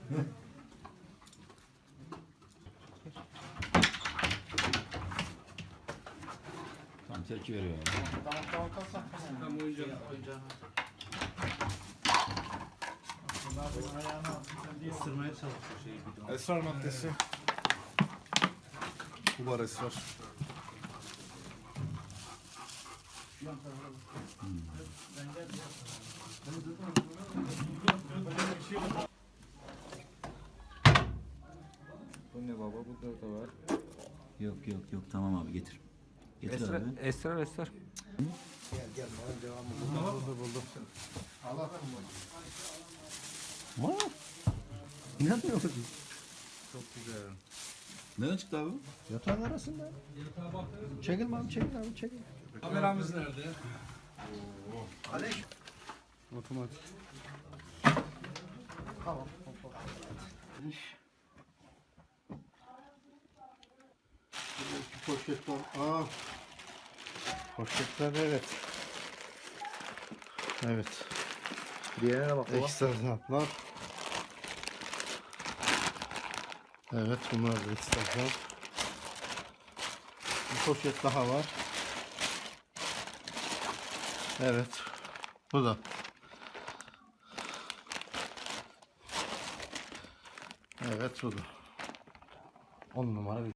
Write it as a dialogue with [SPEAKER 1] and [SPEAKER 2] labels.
[SPEAKER 1] Tam tepki veriyor yani.
[SPEAKER 2] Tamam oyuncağını. Isırmaya çalışıyor şeyi bir de.
[SPEAKER 3] Esrar maddesi. Bu var esrar. Bu ne baba? Bu da var.
[SPEAKER 1] Yok yok yok tamam abi getir. Getir
[SPEAKER 2] Esrar,
[SPEAKER 1] abi.
[SPEAKER 2] esrar, esrar.
[SPEAKER 3] Buldum.
[SPEAKER 1] Vaa! İnanmıyorum.
[SPEAKER 3] Çok güzel.
[SPEAKER 1] Nereden çıktı abi?
[SPEAKER 4] Yatağın arasında. Çekil abi, çekil abi, çekil.
[SPEAKER 2] Kameramız nerede?
[SPEAKER 3] Otomatik.
[SPEAKER 4] Tamam.
[SPEAKER 3] İki poşet var. Aa. Poşetler evet. Evet.
[SPEAKER 4] Diğerine bak baba.
[SPEAKER 3] Ekstra zarflar. Evet bunlar da ekstra zarf. Bir poşet daha var. Evet. Bu da. Evet bu da. 10 numara bir